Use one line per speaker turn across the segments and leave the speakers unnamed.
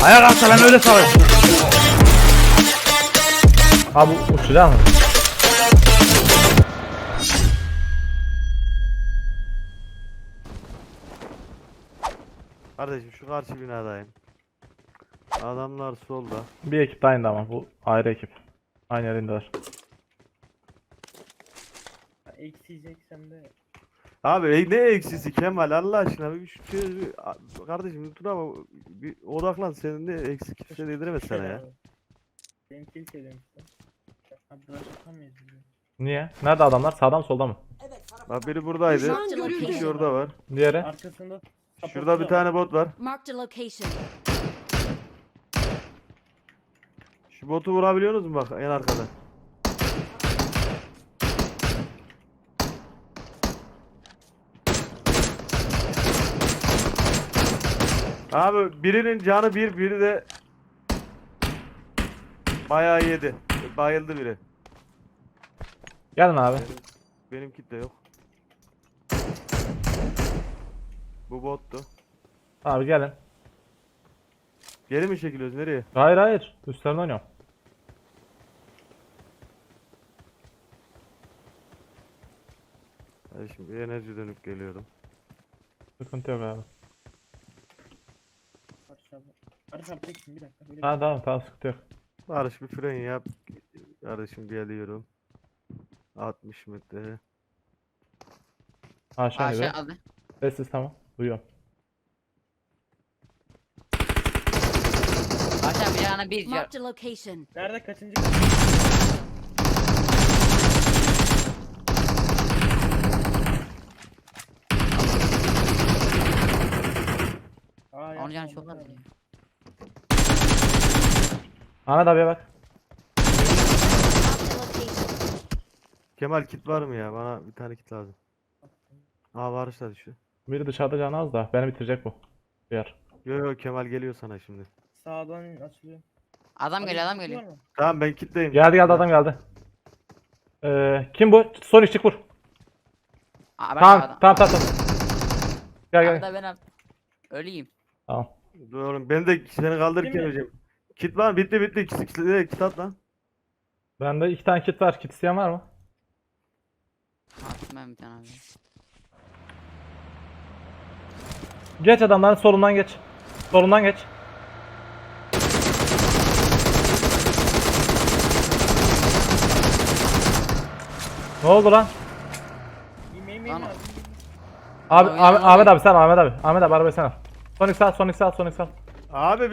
Ayağa kalksa ben öyle salayım. Abi uçacak mı?
Kardeşim şu karşı binadayım. Adamlar solda.
Bir ekip de aynı ama bu ayrı ekip. Aynı yerindeler.
Eksiyeceksem de
Abi ne eksisi Kemal Allah aşkına kardeşim dur ama bir odaklan senin de eksik kimse yediremez sana ya.
benim kill söylemiştim. Abi burası tutamayız biz.
Niye? Nerede adamlar? Sağda mı solda mı?
Bak biri buradaydı.
Düşman
İki
görüldü.
kişi orada var.
Diğeri?
Arkasında
Şurada bir tane bot var.
Marked a location.
Şu botu vurabiliyorsunuz mu bak en arkada? Abi birinin canı bir, biri de bayağı yedi. Bayıldı biri.
Gelin abi.
Benim kit de yok. Bu bottu.
Abi gelin.
Geri mi çekiliyoruz nereye?
Hayır hayır. Üstlerine oynuyorum.
Hadi şimdi bir enerji dönüp geliyorum.
Sıkıntı yok abi.
Barış abi teksin bir dakika. Böyle
Ha tamam sıkıntı yok.
Barış bir fren yap. Kardeşim geliyorum. 60 metre.
Aşağı gidiyor.
Aşağı aldı.
Sessiz tamam. Duyuyorum.
Aşağı bir yana bir car.
Marked a location.
Nerede kaçıncı?
Onun canı çok az.
Ahmet abiye bak.
Marked a location.
Kemal kit var mı ya? Bana bir tane kit lazım. Aa Barış da düştü.
Biri dışarıda canı az da beni bitirecek bu. Diğer.
Yo Kemal geliyor sana şimdi.
Sağdan açılıyor.
Adam geliyor adam
Var
geliyor.
mı?
Tamam ben kitleyim.
Geldi adam geldi. Kim bu? Sonic çık vur.
Aa, ben
Tamam
adam.
tamam. Gel
Abi
gel.
da ben abi. Öleyim.
Tamam.
Dur oğlum ben de seni kaldırırken
Değil mi?
öleceğim. Kit var mı? Bitti. Kit at lan.
Bende 2 tane kit var. Kit isteyen var mı?
Attım ben bir tane abi.
Geç adamların solundan geç. Solundan geç. Ne oldu lan?
Yemeğim
Lan-
abi.
Abi
Oyna, oyna.
Ahmet abi sen Ahmet abi. Ahmet abi arabayı sen al. Sonic sal.
Abi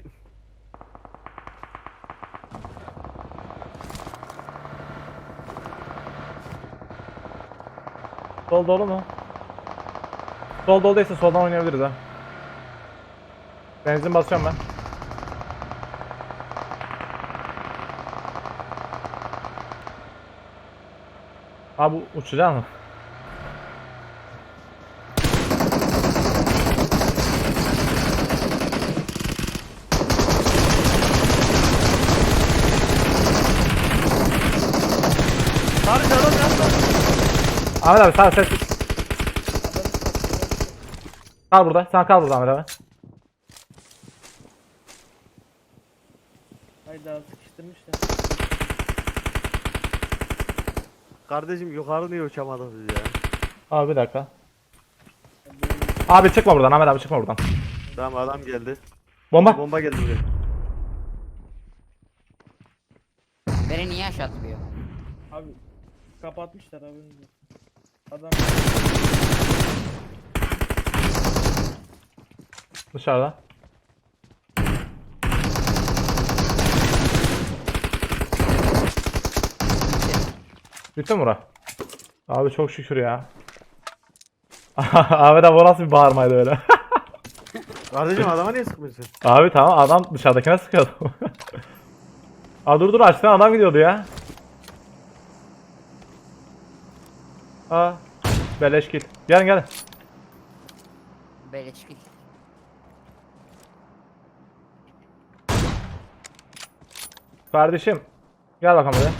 Sol dolu mu? Sol dolu değilse soldan oynayabiliriz ha. Benzin basıyorum ben. Abi uçacak mı?
Barış adam yapma.
Ahmet abi sağ ses. Kal burada. Sen kal burada Ahmet abi.
Hayda sıkıştırmışlar.
Kardeşim yukarı niye uçamadınız ya?
Abi bir dakika. Abi çıkma buradan Ahmet abi çıkma buradan.
Tamam adam geldi.
Bomba.
Bomba geldi buraya.
Beni niye aşağı atıyor?
Abi kapatmışlar abi. Adam
Dışarıda. Bitti mi bura? Abi çok şükür ya. Ahmet abi o nasıl bir bağırmaydı öyle.
Kardeşim adama niye sıkmıyorsun?
Abi tamam adam dışarıdakine sıkıyordu. Aa dur açtıktan adam gidiyordu ya. Aa beleş kill. Gelin.
Böyle çıkıyor.
Kardeşim. Gel bakalım buraya.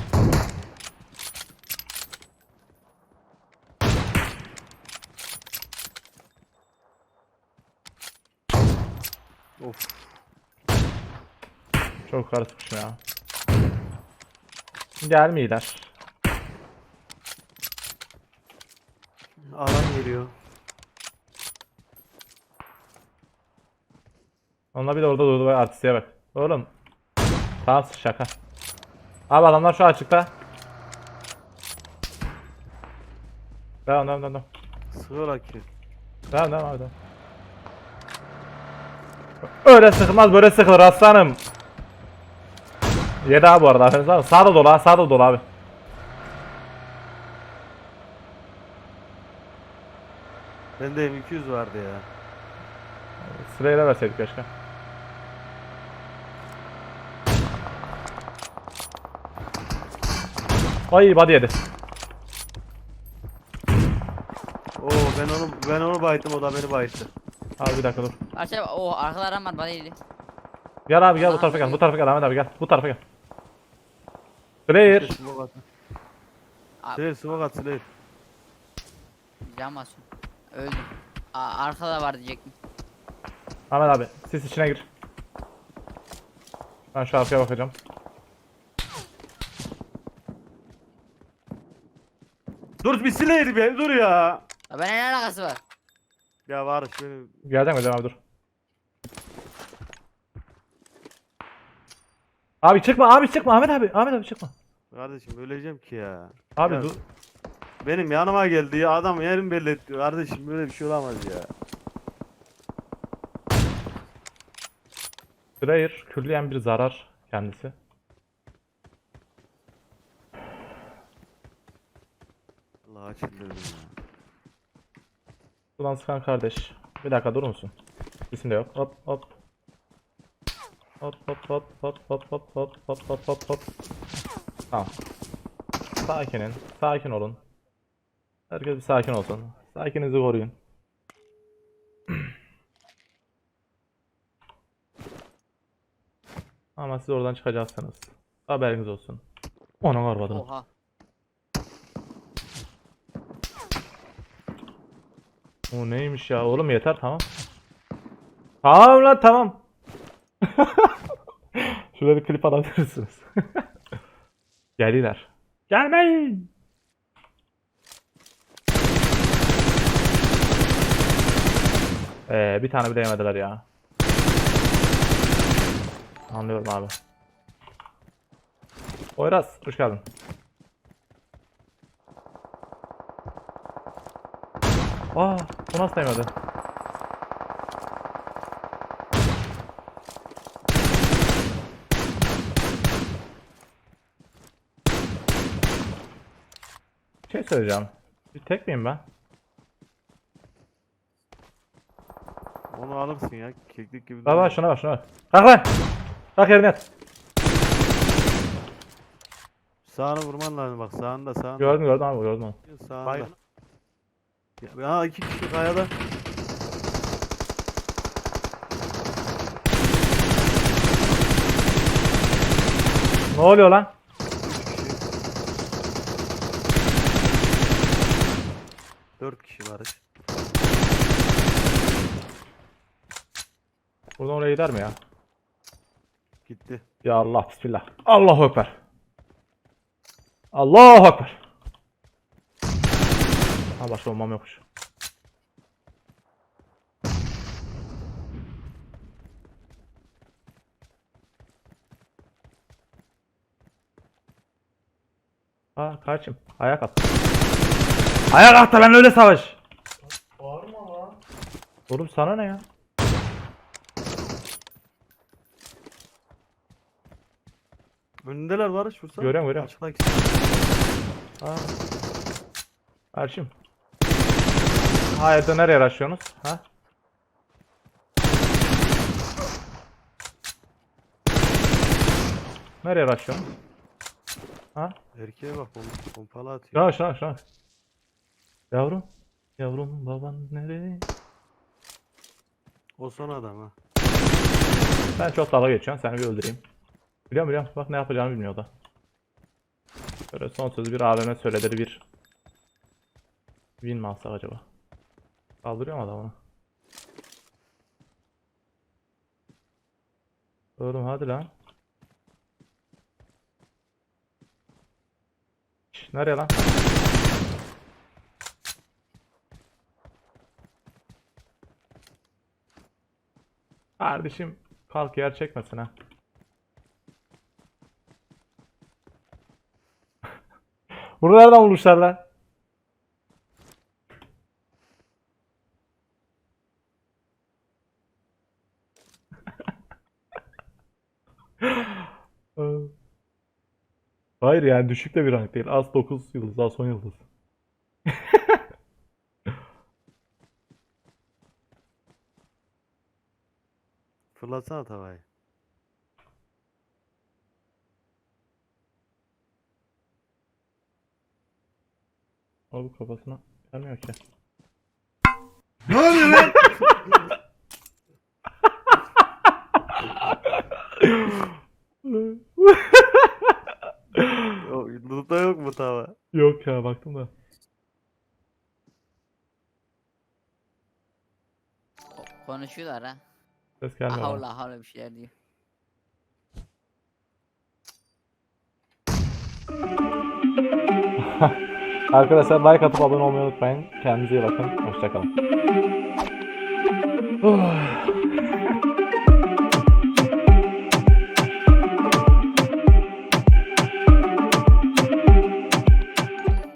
Of.
Çok karışmışım ya. Gelmiyorlar.
Alan geliyor.
Onlar bir de orada durdu ve artistliğe bak. Oğlum. Tamam şaka. Abi adamlar şu açıkta. Devam.
Sığır ki.
Devam abi devam. Öyle sıkılmaz böyle sıkılır aslanım. Yedi abi bu arada aferin sana. Sağda dolu ha, sağda dolu abi.
Bende M200 vardı ya.
Sırayla verseydik keşke. Ay body yedi.
Oo ben onu bayıttım, o da beni bayıttı.
Abi bir dakika dur.
Arkadaşlar o arkalarım var bana iyiydi.
Gel abi gel bu tarafa gel. Bu tarafa gel Ahmet abi gel. Bu tarafa gel. Clear.
Smoke at.
Abi,
Slayer smoke at Slayer.
can basıyorum. Öldüm. Arkada var diyecektim.
Ahmet abi siz içine gir. Ben şu arkaya bakacağım.
Dur bir Slayer be, dur ya.
Ya ben ne alakası var?
Ya Barış beni.
Geleceğim abi dur. Abi çıkma Ahmet abi çıkma.
Kardeşim öleceğim ki ya.
Abi
Ya,
dur.
benim yanıma geldi ya, adam yerim belli etti. Kardeşim böyle bir şey olamaz ya.
Clear külliyen bir zarar kendisi.
Allah çıldırdım ya.
Ulan sıkan kardeş. Bir dakika durur musun? İsim de yok. Hop hop. Hop. Tamam. Sakin olun. Herkes bir sakin olsun. Sakininizi koruyun. Ama siz oradan çıkacaksınız. Haberiniz olsun. Ona varmadım.
Oha.
O neymiş ya oğlum yeter tamam. Tamam lan tamam. Şurada bir klip alabilirsiniz. Geliler. Gelmeyin. Bir tane bile yemediler ya. Anlıyorum abi. Oyraz hoş geldin. Aa, bu nasıl yemedi? Bir şey söyleyeceğim. Bir tek miyim ben?
Onu alırsın ya, keklik gibi.
Bak şuna bak. Kalk lan. Kalk yerine yat.
Sağını vurman lazım, bak sağında.
Gördüm abi gördüm onu.
Sağında. Baygın. Ya iki kişi kayada.
Ne oluyor lan?
Dört kişi Barış.
Buradan oraya gider mi ya?
Gitti.
Ya Allah bismillah. Allahu ekber. Allahu ekber. Ha başka olmam yokmuş. Ha kardeşim ayak at. Ayak at da ben öyle savaş.
Bağırma lan.
Oğlum sana ne ya?
Önündeler Barış, vursana.
Görüyorum.
Açıktaki.
Ha. Kardeşim. Hayırdır nereye araşıyorsunuz? Ha? Nereye araşıyorsunuz? Ha?
Erkeğe bak, pompalı atıyor.
Şuna. Yavrum baban nereye?
O son adam ha.
Ben çok dalga geçiyorum seni bir öldüreyim. Biliyorum bak ne yapacağımı bilmiyor o da. Böyle son sözü bir AVM söyledir bir. Win mi alsak acaba? Kaldırıyor mu adamını? Oğlum hadi lan. Nereye lan? Kardeşim kalk yer çekmesin ha. Bunu nereden bulmuşlar lan? Hayır yani düşük de bir rank değil. Az 9 yıldız, az 10 yıldız.
Fırlatsana tavayı.
Abi kafasına gelmiyor ki.
Ne oluyor lan?
Loot'ta yok mu tava?
Yok ya baktım da.
Konuşuyorlar ha.
Ses gelmiyor. bana.
Havla havla bir şeyler diyor.
Arkadaşlar like atıp abone olmayı unutmayın. Kendinize iyi bakın. Hoşçakalın.